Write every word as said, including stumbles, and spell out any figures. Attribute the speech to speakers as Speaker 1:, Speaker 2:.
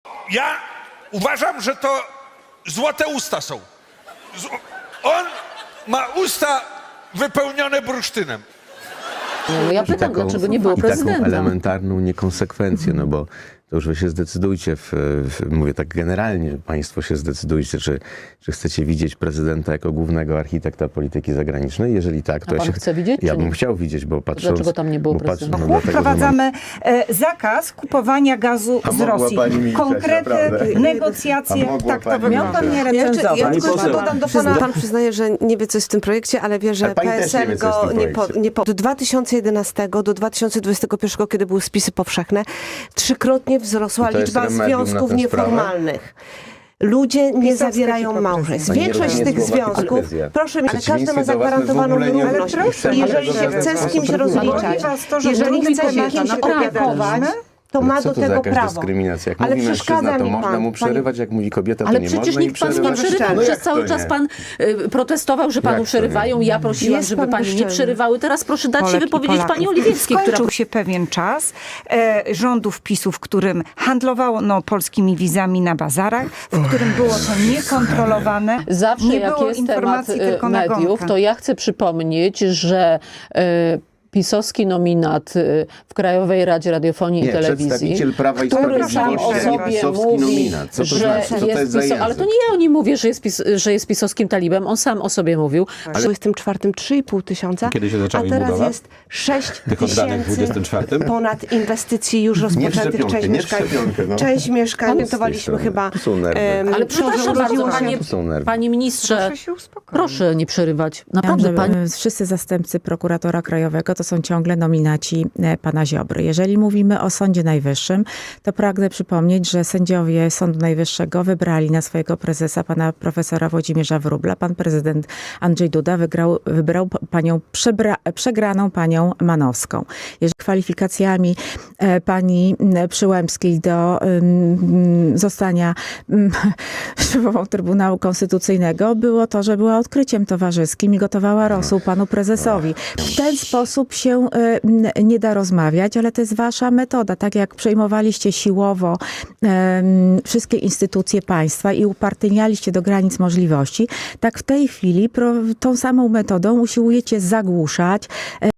Speaker 1: Ja uważam, że to złote usta są. Z... On ma usta wypełnione bursztynem.
Speaker 2: No ja pytam,
Speaker 3: taką,
Speaker 2: dlaczego nie było
Speaker 3: i
Speaker 2: prezydenta.
Speaker 3: taką elementarną niekonsekwencję, no bo to już wy się zdecydujcie, w, w, mówię tak generalnie, państwo się zdecydujcie, czy, czy chcecie widzieć prezydenta jako głównego architekta polityki zagranicznej. Jeżeli tak, to
Speaker 2: A
Speaker 3: ja
Speaker 2: pan
Speaker 3: się
Speaker 2: chce widzieć,
Speaker 3: Ja
Speaker 2: czy
Speaker 3: bym
Speaker 2: nie?
Speaker 3: chciał widzieć, bo patrząc...
Speaker 2: Dlaczego tam nie było
Speaker 3: bo patrz-
Speaker 2: prezydenta?
Speaker 3: no dlatego, że mam-
Speaker 4: Wprowadzamy e, zakaz kupowania gazu
Speaker 3: A
Speaker 4: z
Speaker 3: mogła
Speaker 4: Rosji.
Speaker 3: pani milczeć,
Speaker 4: Konkrety,
Speaker 3: naprawdę.
Speaker 4: negocjacje,
Speaker 3: A mogła
Speaker 4: tak to
Speaker 3: pani
Speaker 4: wygląda.
Speaker 3: milczeć.
Speaker 4: Nie
Speaker 5: Ja jeszcze, ja
Speaker 4: recenzować.
Speaker 5: tylko
Speaker 3: poseł.
Speaker 5: dodam do
Speaker 3: Przyzna-
Speaker 5: pana. Pan przyznaje, że nie wie, co jest w tym projekcie, ale wie,
Speaker 3: Ale
Speaker 5: że
Speaker 3: pani też nie
Speaker 5: PSL
Speaker 3: wie, co jest w
Speaker 5: go
Speaker 3: tym
Speaker 5: nie po,
Speaker 3: projekcie.
Speaker 5: nie po. Do dwa tysiące jedenastego do dwa tysiące dwudziestego pierwszego, kiedy były spisy powszechne, trzykrotnie wzrosła
Speaker 3: I to jest
Speaker 5: liczba
Speaker 3: remedium na
Speaker 5: związków
Speaker 3: tę
Speaker 5: nieformalnych. Ludzie nie
Speaker 4: Pisowskie
Speaker 5: zawierają
Speaker 4: hipokryzje.
Speaker 5: małżeństw.
Speaker 3: Pani
Speaker 5: Większość z
Speaker 3: Rozumieć
Speaker 5: tych
Speaker 3: słowa
Speaker 5: związków,
Speaker 3: hipokryzja.
Speaker 5: proszę mi, ale każdy ma
Speaker 3: Przeciwieństwie do was, my w
Speaker 5: zagwarantowaną
Speaker 3: ogóle nie-
Speaker 5: równość.
Speaker 4: Ale proszę,
Speaker 5: I jeżeli
Speaker 4: ale
Speaker 5: się
Speaker 4: to
Speaker 5: chce
Speaker 4: jest
Speaker 5: z kimś
Speaker 3: bardzo
Speaker 5: rozliczać,
Speaker 4: Boli was to, że
Speaker 5: jeżeli
Speaker 4: drugi
Speaker 5: chce się
Speaker 4: kobieta,
Speaker 5: kimś
Speaker 4: naprawdę.
Speaker 5: opiekować, to
Speaker 3: Ale
Speaker 5: ma
Speaker 3: co
Speaker 5: do
Speaker 3: to za
Speaker 5: tego
Speaker 3: jakaś
Speaker 5: prawo.
Speaker 3: dyskryminacja? Jak
Speaker 5: Ale
Speaker 3: mówi
Speaker 5: przeszkadza
Speaker 3: mężczyzna, to
Speaker 5: mi
Speaker 3: można
Speaker 5: pan,
Speaker 3: mu
Speaker 5: panie-
Speaker 3: przerywać, jak mówi kobieta, to
Speaker 2: Ale
Speaker 3: nie
Speaker 2: przecież
Speaker 3: można
Speaker 2: nikt panu nie
Speaker 3: przerywać.
Speaker 2: przerywał.
Speaker 3: No
Speaker 2: Przez
Speaker 3: jak to
Speaker 2: cały
Speaker 3: nie?
Speaker 2: czas pan y, protestował, że panu
Speaker 3: Jak to
Speaker 2: przerywają.
Speaker 3: nie?
Speaker 2: Ja prosiłam,
Speaker 5: Jest
Speaker 2: żeby
Speaker 5: pan
Speaker 2: pani nie
Speaker 5: bezczelny.
Speaker 2: przerywały. Teraz proszę dać się
Speaker 4: Polek i
Speaker 2: wypowiedzieć
Speaker 4: Polaków.
Speaker 2: pani Oliwieckiej, która...
Speaker 4: Skończył się pewien czas e, rządów PiSu, w którym handlowano no, polskimi wizami na bazarach, w którym było to niekontrolowane.
Speaker 2: Zawsze
Speaker 4: nie
Speaker 2: jak
Speaker 4: było
Speaker 2: jest temat
Speaker 4: informacji,
Speaker 2: y,
Speaker 4: tylko
Speaker 2: mediów,
Speaker 4: nagonka.
Speaker 2: to ja chcę przypomnieć, że y, pisowski nominat y, w Krajowej Radzie Radiofonii
Speaker 3: Nie,
Speaker 2: i Telewizji,
Speaker 3: przedstawiciel Prawa i
Speaker 2: który sam
Speaker 3: Sprawiedliwości,
Speaker 2: o
Speaker 3: a nie
Speaker 2: sobie
Speaker 3: pisowski
Speaker 2: mówi,
Speaker 3: nominat. Co to
Speaker 2: że
Speaker 3: znaczy? Co to
Speaker 2: jest
Speaker 3: jest za
Speaker 2: piso- ale
Speaker 3: język?
Speaker 2: to nie ja o nim mówię, że jest, pis- że jest pisowskim talibem. On sam o sobie mówił.
Speaker 5: W dwudziestym czwartym trzy i pół tysiąca,
Speaker 6: Kiedy się zaczęła
Speaker 5: a
Speaker 6: im
Speaker 5: teraz
Speaker 6: budowa?
Speaker 5: jest sześć
Speaker 6: Tych oddanych w
Speaker 5: tysięcy
Speaker 6: dwudziestym czwartym?
Speaker 5: ponad inwestycji już rozpoczętych.
Speaker 3: szczepionkę,
Speaker 5: Część
Speaker 3: nie w
Speaker 5: mieszkań,
Speaker 3: szczepionkę, no.
Speaker 5: część mieszkań,
Speaker 3: Z tej
Speaker 5: notowaliśmy
Speaker 3: strony.
Speaker 5: chyba.
Speaker 3: Tu są nerwy.
Speaker 5: em,
Speaker 2: Ale
Speaker 5: to,
Speaker 2: przepraszam
Speaker 5: że
Speaker 2: bardzo,
Speaker 5: urodziło się-
Speaker 2: panie,
Speaker 3: Tu są nerwy.
Speaker 2: panie ministrze,
Speaker 4: Proszę się uspokoić.
Speaker 2: proszę nie przerywać.
Speaker 7: Chciałam,
Speaker 2: Naprawdę,
Speaker 7: żeby
Speaker 2: pani...
Speaker 7: Wszyscy zastępcy prokuratora krajowego to są ciągle nominaci e, pana Ziobry. Jeżeli mówimy o Sądzie Najwyższym, to pragnę przypomnieć, że sędziowie Sądu Najwyższego wybrali na swojego prezesa pana profesora Włodzimierza Wróbla. Pan prezydent Andrzej Duda wygrał, wybrał p- panią przebra, przegraną panią Manowską. Jeżeli kwalifikacjami e, pani m, Przyłębskiej do ym, zostania ym, szefową Trybunału Konstytucyjnego było to, że była odkryciem towarzyskim i gotowała rosół panu prezesowi. W ten sposób się y, n- nie da rozmawiać, ale to jest wasza metoda. Tak jak przejmowaliście siłowo em, wszystkie instytucje państwa i upartyjnialiście do granic możliwości, tak w tej chwili pro, tą samą metodą usiłujecie zagłuszać